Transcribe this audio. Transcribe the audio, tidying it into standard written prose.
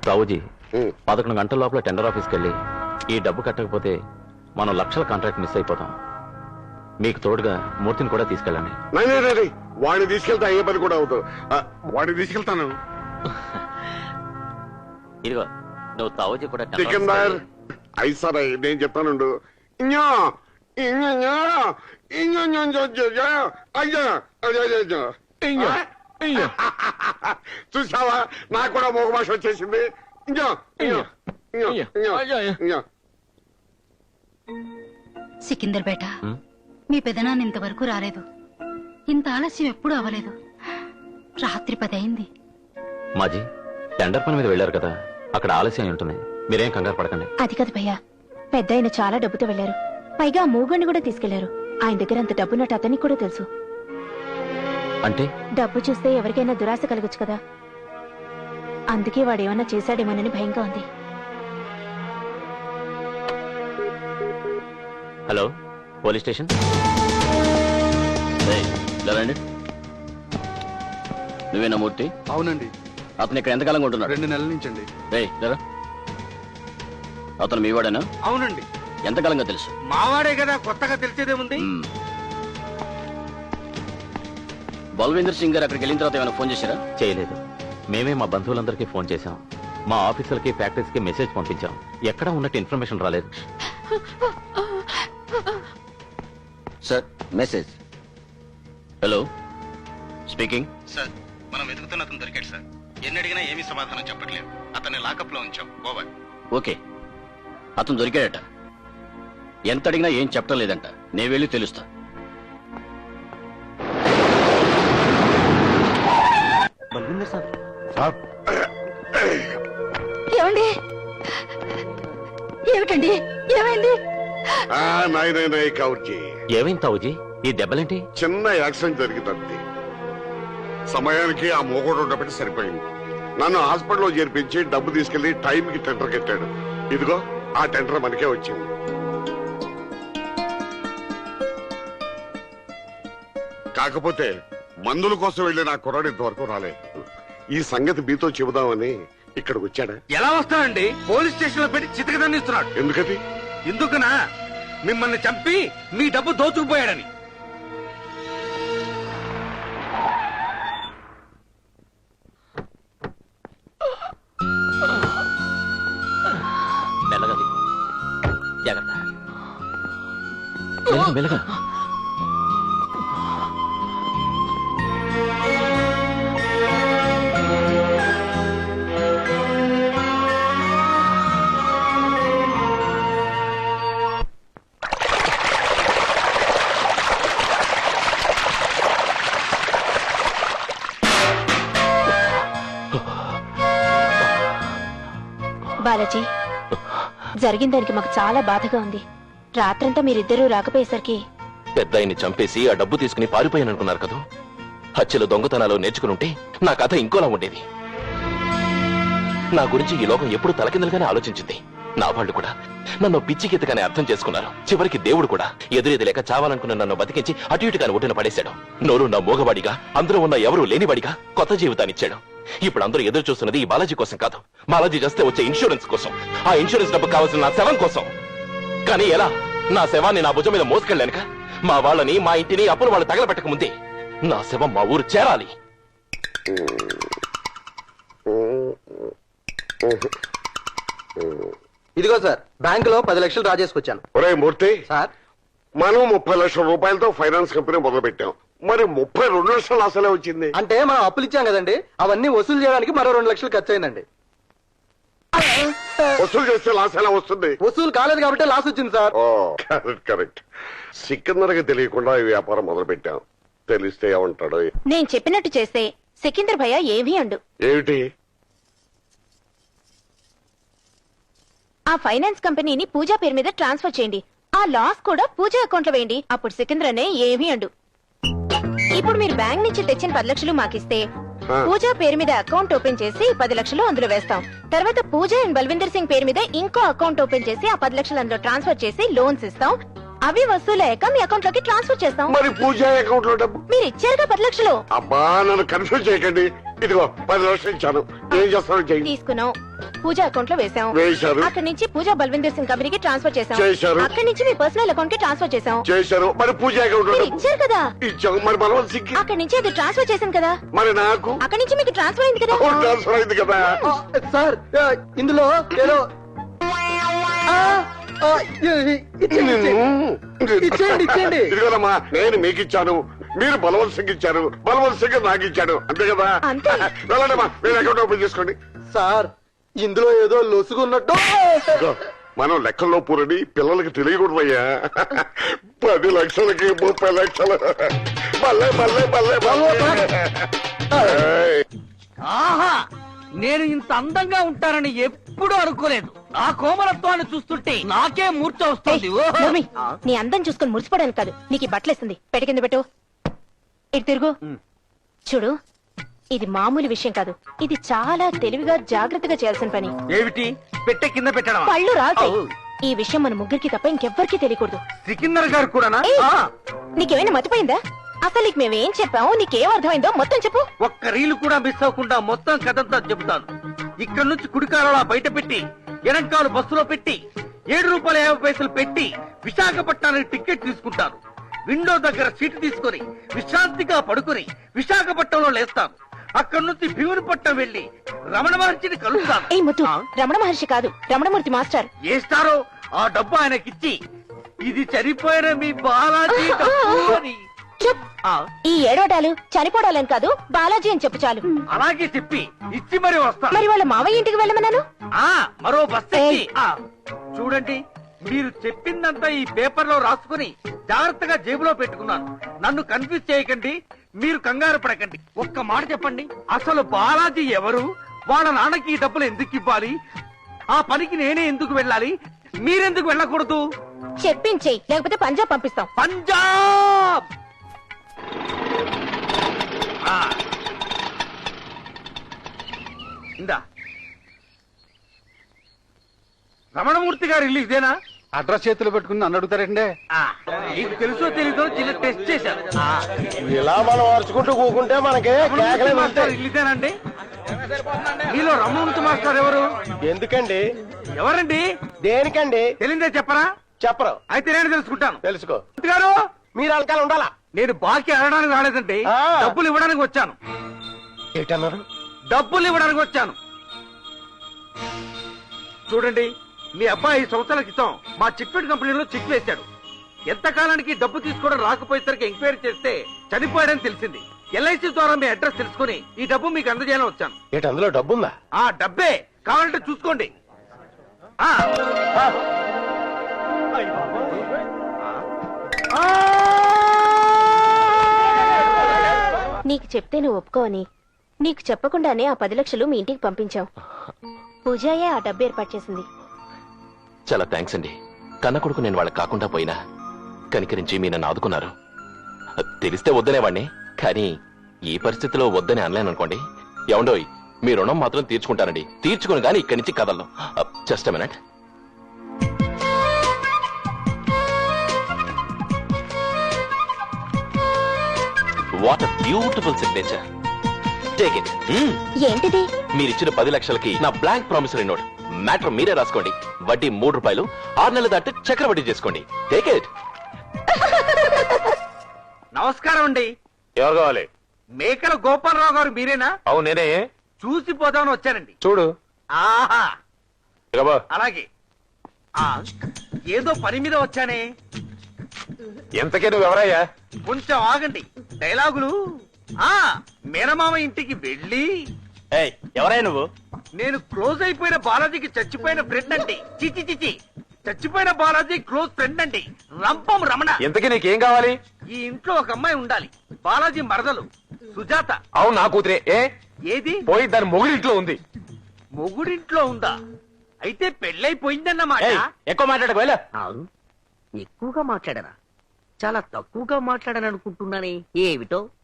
రావుజీ 11 గంటల లోపల టెండర్ ఆఫీస్కి వెళ్ళి ఈ డబ్బు కట్టకపోతే మనం లక్షల కాంట్రాక్ట్ మిస్ అయిపోతాం. మీకు తోడుగా మూర్తిని కూడా తీసుకెళ్ళండి. వాడిని తీసుకెళ్తా అయ్యే పని కూడా అవుతావు. వాడిని తీసుకెళ్తాను. ఇదిగో నువ్వు తావుజీ కూడా సికిందర్ అయిసారా నేను చెప్తానుండు. చూసావా నాకు కూడా మోగ భాష వచ్చేసింది. సికిందర్ బేట, మీ పెదనాన్న ఇంతవరకు రాలేదు. ఇంత ఆలస్యం ఎప్పుడూ అవ్వలేదు. రాత్రి 10 అయింది. మాజీ టెండర్ పని మీద వెళ్లారు కదా, అక్కడ ఆలస్యం ఉంటుంది. మీరేం కంగారు పడకండి. అది కాదు భయ్యా, పెద్ద ఆయన చాలా డబ్బుతో వెళ్లారు. పైగా మూగండి కూడా తీసుకెళ్లారు. ఆయన దగ్గర అంత డబ్బున్నట్టు అతనికి కూడా తెలుసు. అంటే డబ్బు చూస్తే ఎవరికైనా దురాశ కలగచ్చు కదా, అందుకే వాడేమన్నా చేశాడేమోనని భయంగా ఉంది. Hello, police station. నువ్వేనా మూర్తి? అవునండి. అతను ఇక్కడ ఎంతకాలంగా ఉంటున్నాడు? 2 నెలల నుంచి అండి. అతను మీవాడేనా? అవునండి. ఎంతకాలంగా తెలుసు? మావాడే కదా, కొత్తగా తెలిసేదేముంది. బల్వీందర్ సింగ్ గారు అక్కడికి వెళ్ళిన తర్వాత ఏమైనా ఫోన్ చేశారా? చేయలేదు. మేమే మా బంధువులందరికీ ఫోన్ చేశాం. మా ఆఫీసర్కి ఫ్యాక్టరీస్కి మెసేజ్ పంపించాం. ఎక్కడా ఉన్నట్టు ఇన్ఫర్మేషన్ రాలేదు. Sir, message. Hello, speaking. Sir, మనం వెతుకుతున్న అతను దొరికాడు సార్. ఎన్ని అడిగినా ఏమీ సమాధానం చెప్పట్లేదు. అతన్ని లాకప్ లో ఉంచాం. ఓవర్. ఓకే, అతను దొరికాడట. ఎంత అడిగినా ఏం చెప్పడం లేదంట. నేను వెళ్ళి తెలుస్తా. బల్వీందర్ సార్. ఏమండి? ఏమిటండి, ఏమైంది? ఏమైంది తావుజీ? ఈ దెబ్బలేంటి? చిన్న యాక్సిడెంట్ జరిగిందంతే. సమయానికి ఆ మోగోడు ఉండబట్టి సరిపోయింది. నన్ను హాస్పిటల్లో చేర్పించి డబ్బు తీసుకెళ్లి టైంకి టెండర్ కట్టాడు. ఇదిగో ఆ టెండర్ మనకే వచ్చింది. కాకపోతే మందుల కోసం వెళ్ళి నా కుర్రాడు ఇంతవరకు రాలేదు. ఈ సంగతి మీతో చెబుదామని ఇక్కడికి వచ్చాడా? ఎలా వస్తానండి? పోలీస్ స్టేషన్ లో పెట్టి చితకదన్నిస్తున్నాడు. ఎందుకది? ఎందుకునా? మిమ్మల్ని చంపి మీ డబ్బు దోచుకుపోయాడని. మెల్లగా జాగ్రత్త. మెల్లగా. బాలాజీ, జరిగిన దానికి మాకు చాలా బాధగా ఉంది. రాత్రంతా మీరిద్దరూ రాకపోయేసరికి పెద్ద ఆయన్ని చంపేసి ఆ డబ్బు తీసుకుని పారిపోయాననుకున్నారు కదా. హత్యలు దొంగతనాలు నేర్చుకునుంటే నా కథ ఇంకోలా ఉండేది. నా గురించి ఈ లోకం ఎప్పుడు తలకిందలుగానే ఆలోచించింది. నా వాళ్ళు కూడా నన్ను పిచ్చికెత్తగానే అర్థం చేసుకున్నారు. చివరికి దేవుడు కూడా ఎదురేది లేక చావాలనుకున్న నన్ను బతికించి అటు ఇటుగాని ఒడ్డున పడేశాడు. నోరు నా మోగవాడిగా, అందరూ ఉన్న ఎవరూ లేనివాడిగా కొత్త జీవితాన్ని ఇచ్చాడు. ఇప్పుడు అందరూ ఎదురు చూస్తున్నది ఈ బాలాజీ కోసం కాదు, బాలాజీ చేస్తే వచ్చే ఇన్సూరెన్స్ కోసం. ఆ ఇన్సూరెన్స్ డబ్బు కావాల్సిన నా శవం కోసం. కానీ ఎలా? నా శవాన్ని నా భుజం మీద మోసుకెళ్ళానుక మా వాళ్ళని, మా ఇంటిని అప్పులు వాళ్ళు తగలబెట్టక ముందే నా శవం మా ఊరు చేరాలి. ఇదిగో సార్, బ్యాంకులో 10 లక్షలు డ్రా చేసుకొచ్చాను. ఒరే మూర్తి సార్, మనం 30 లక్షల రూపాయలతో ఫైనాన్స్ కంపెనీ మొదలు పెట్టాం. మరి 32 లక్షలు అసలే వచ్చింది. అంటే మనం అప్పులు ఇచ్చాం కదండి, అవన్నీ వసూలు చేయడానికి మరో 2 లక్షలు ఖర్చు అయిందండి. వసూలు చేస్తే లాస్ ఎలా వస్తుంది? వసూలు కాలేదు కాబట్టి లాస్ వచ్చింది సార్. Correct correct. సికిందర్కి తెలియకుండా ఈ వ్యాపారం మొదలు పెట్టాం. తెలిస్తే ఏమంటాడు? నేను చెప్పినట్టు చేస్తే సికిందర్ భయ్య ఏమీ అండు. ఏమిటి? ఆ ఫైనాన్స్ కంపెనీని పూజా పేరు మీద ట్రాన్స్ఫర్ చేయండి. ఆ లాస్ కూడా పూజా అకౌంట్ లో వేయండి. అప్పుడు సికింద్రనే ఏమీ అండు. ఇప్పుడు మీరు బ్యాంక్ నుంచి తెచ్చిన 10 లక్షలు మాకిస్తే పూజా పేరు మీద అకౌంట్ ఓపెన్ చేసి 10 లక్షలు అందులో వేస్తాం. తర్వాత పూజా అండ్ బల్విందర్ సింగ్ పేరు మీద ఇంకో అకౌంట్ ఓపెన్ చేసి ఆ 10 లక్షలు అందులో ట్రాన్స్ఫర్ చేసి లోన్స్ ఇస్తాం. అవి వసూలయ్యాక మీ అకౌంట్ లోకి ట్రాన్స్ఫర్ చేస్తాం. మరి పూజా అకౌంట్ లో డబ్బు మీరు ఇచ్చారుగా 10 లక్షలు. అబ్బా, నన్ను కన్ఫ్యూజ్ చేయకండి. ఇదిగో 10 లక్షలు ఇచ్చాను. ఏం చేస్తాను? తీసుకున్నాం. పూజ అకౌంట్ లో వేసాం. వేశారు. అక్కడి నుంచి పూజా బల్విందర్ సింగ్ కంపెనీకి ట్రాన్స్ఫర్ చేసాం. చేశారు. అక్కడి నుంచి మీ పర్సనల్ అకౌంట్ కి ట్రాన్స్ఫర్ చేసాం. చేశారు. మరి పూజ అకౌంట్ మీరు ఇచ్చారు కదా. ఇచ్చాం. మరి బలవంత్ సింగ్ అక్కడి నుంచి అది ట్రాన్స్ఫర్ చేశాను కదా. మరి నాకు అక్కడి నుంచి మీకు ట్రాన్స్ఫర్ అయింది కదా. ట్రాన్స్ఫర్ అయింది కదా. సార్ ఇందులో ఏదో ఇచ్చేయండి ఇచ్చేయండి. ఇదిగోనమ్మా, నేను మీకు ఇచ్చాను, మీరు బలవంత్ సింగ్ ఇచ్చారు, బలవంత్ సింగ్ నాకు ఇచ్చాడు, అంతే కదా. అంతే. వెళ్ళండమ్మా, మీరు అకౌంట్ ఓపెన్ చేసుకోండి. సార్ ఇందులో ఏదో లొసుగున్నట్టు. ఇదిగో, మనం లెక్కల్లో పూరని పిల్లలకి తెలియకూడదయ్యా. 10 లక్షలకి 30 లక్షలు. బల్లే బల్లే బల్లే బల్లే. ఏయ్, ఆహా నేను ఇంత అందంగా ఉంటానని ఎప్పుడూ అనుకోలేదు. ఆ కోమలత్వాన్ని చూస్తుంటే నాకే మూర్ఛ వస్తుంది. ఓహో. నోర్మి, నీ అందం చూసుకుని మురిసిపోవడానికి కాదు, నీకు ఈ బట్టలేస్తుంది. పెట్టి కింద పెట్టు. ఇటు తిరుగు. చూడు, ఇది మామూలు విషయం కాదు. ఇది చాలా తెలివిగా జాగ్రత్తగా చేయాల్సిన పని. ఏమిటి పెట్టే కింద పెట్టడం? పళ్ళు రాల్తాయి. ఈ విషయం మన ముగ్గురికి తప్ప ఇంకెవ్వరికీ తెలియకూడదు. సికిందర్ గారు కూడానా? ఏయ్, ఆ, నీకేమైనా మతిపోయిందా? అసలు నీకు మేమేం చెప్పామో, నీకేం అర్థమైందో మొత్తం చెప్పు. ఒక్క రీలు కూడా మిస్ అవ్వకుండా మొత్తం కథంతా చెబుతాను. ఇక్కడ నుంచి కుడికాలలా బయట పెట్టి, ఎడంకాలు బస్సులో పెట్టి, ₹7.50 పెట్టి విశాఖపట్నానికి టికెట్ తీసుకుంటాను. విండో దగ్గర సీటు తీసుకొని విశ్రాంతిగా పడుకొని విశాఖపట్నంలో లేస్తాను. అక్కడి నుంచి భీమునిపట్నం వెళ్లి రమణ మహర్షిని కలుస్తాను. ఏ ముత్తు, రమణ మహర్షి కాదు, రమణమూర్తి మాస్టర్. ఏస్తారో ఆ డబ్బు ఆయనకిచ్చి, ఇది చనిపోయిన మీ బాలాజీ డబ్బు అని. చుప్. ఆ, ఈ ఏడవటాలు చనిపోవడాలని కాదు, బాలాజీ అని చెప్పు చాలు. అలాగే చెప్పి ఇచ్చి మరి వస్తాను. మరి వాళ్ళ మావయ్య ఇంటికి వెళ్ళమన్నాను. ఆ మరో బస్ ఎక్కి. ఏయ్. ఆ, చూడండి, మీరు చెప్పిందంతా ఈ పేపర్ లో రాసుకుని జాగ్రత్తగా జేబులో పెట్టుకున్నాను. నన్ను కన్ఫ్యూజ్ చేయకండి, మీరు కంగారు పడకండి. ఒక్క మాట చెప్పండి, అసలు బాలాజీ ఎవరు? వాళ్ళ నాన్నకి ఈ డబ్బులు ఎందుకు ఇవ్వాలి? ఆ పనికి నేనే ఎందుకు వెళ్ళాలి? మీరెందుకు వెళ్ళకూడదు? చెప్పించేయి, లేకపోతే పంజాబ్ పంపిస్తాం. పంజాబ్. ఆ. ఇందా, రమణమూర్తి గారి ఇల్లు ఇదేనా? అడ్రస్ చేతిలో పెట్టుకుని నన్ను అడుగుతారండి. ఆ, నీకు తెలుసో తెలీదో చిన్న టెస్ట్ చేశాను. ఆ, ఇలా మనం అరుచుకుంటూ కూకుంటే మనకి రమణమూర్తి మాస్టర్ ఇల్లు ఇదేనండి? మీలో రమణమూర్తి మాస్టర్ ఎవరు? ఎందుకండి? ఎవరండి? దేనికండి? తెలిందే చెప్పరా? చెప్పరు. అయితే నేను తెలుసుకుంటాను. తెలుసుకో. మూర్తి గారు, మీరు అలకాలు ఉండాలా? నేను బాకీ అడగడానికి రాలేదండి, ఆ. డబ్బులు ఇవ్వడానికి వచ్చాను. ఏంటన్నారు? డబ్బులు ఇవ్వడానికి వచ్చాను. చూడండి, మీ అబ్బాయి సంవత్సరాల క్రితం మా చిట్ఫండ్ కంపెనీలో చెక్ వేశాడు. ఎంతకాలానికి డబ్బు తీసుకోవడం రాకపోయేసరికి ఎంక్వైరీ చేస్తే చనిపోయాడని తెలిసింది. LIC ద్వారా మీ అడ్రస్ తెలుసుకుని ఈ డబ్బు మీకు అందజేయాలని వచ్చాను. ఏంటి అందులో డబ్బుందా? ఆ డబ్బే కావాలంటే చూసుకోండి. ఆ. నీకు చెప్తే నువ్వు ఒప్పుకోని, నీకు చెప్పకుండానే ఆ 10 లక్షలు మీ ఇంటికి పంపించావు. పూజాయే ఆ డబ్బు ఏర్పాటు చేసింది. చాలా థ్యాంక్స్ అండి. కన్న కొడుకు నేను వాళ్ళకి కాకుండా పోయినా కనికరించి మీ నన్ను ఆదుకున్నారు. తెలిస్తే వద్దనేవాణ్ణి, కానీ ఈ పరిస్థితిలో వద్దని అనలేననుకోండి. ఏమండోయ్, మీ రుణం మాత్రం తీర్చుకుంటానండి. తీర్చుకుని గానీ ఇక్కడి నుంచి కదలను. Just a minute. What a beautiful signature. Take it. ఏంటిది? మీరిచ్చిన 10 లక్షలకి నా బ్లాంక్ ప్రామిసరీ నోట్. మ్యాటర్ మీరే రాసుకోండి. వడ్డీ ₹3. 6 నెలల దాటి చక్రవడ్డీ చేసుకోండి. Take it. నమస్కారం అండి. ఎవరు కావాలి? మేకల గోపాలరావు గారు మీరేనా? అవును నేనే. చూసిపోదామని వచ్చానండి. చూడు. ఆహా, ఇకబో. అలాగే. ఆ, ఏదో పని మీద వచ్చానే. ఎంతకే నువ్వు ఎవరయ్యా? కొంచెం ఆగండి, డైలాగులు. ఆ, మేనమామ ఇంటికి వెళ్ళి. ఎవరయ్యా నువ్వు? నేను క్లోజ్ అయిపోయిన బాలాజీకి చచ్చిపోయిన ఫ్రెండ్ అండి. చిచి చిచి, చచ్చిపోయిన బాలాజీ క్లోజ్ ఫ్రెండ్ అండి. రంపం రమణ. ఎంతకీ నీకేం కావాలి? ఈ ఇంట్లో ఒక అమ్మాయి ఉండాలి. బాలాజీ మరదలు సుజాత. అవును నా కూతురే. ఏది? పోయి దాని మొగుడింట్లో ఉంది. మొగుడింట్లో ఉందా? అయితే పెళ్ళైపోయిందన్నమాట. ఎక్కువ మాట్లాడకు వెళ్ళ. ఎక్కువగా మాట్లాడరా? చాలా తక్కువగా మాట్లాడని అనుకుంటున్నానే, ఏమిటో.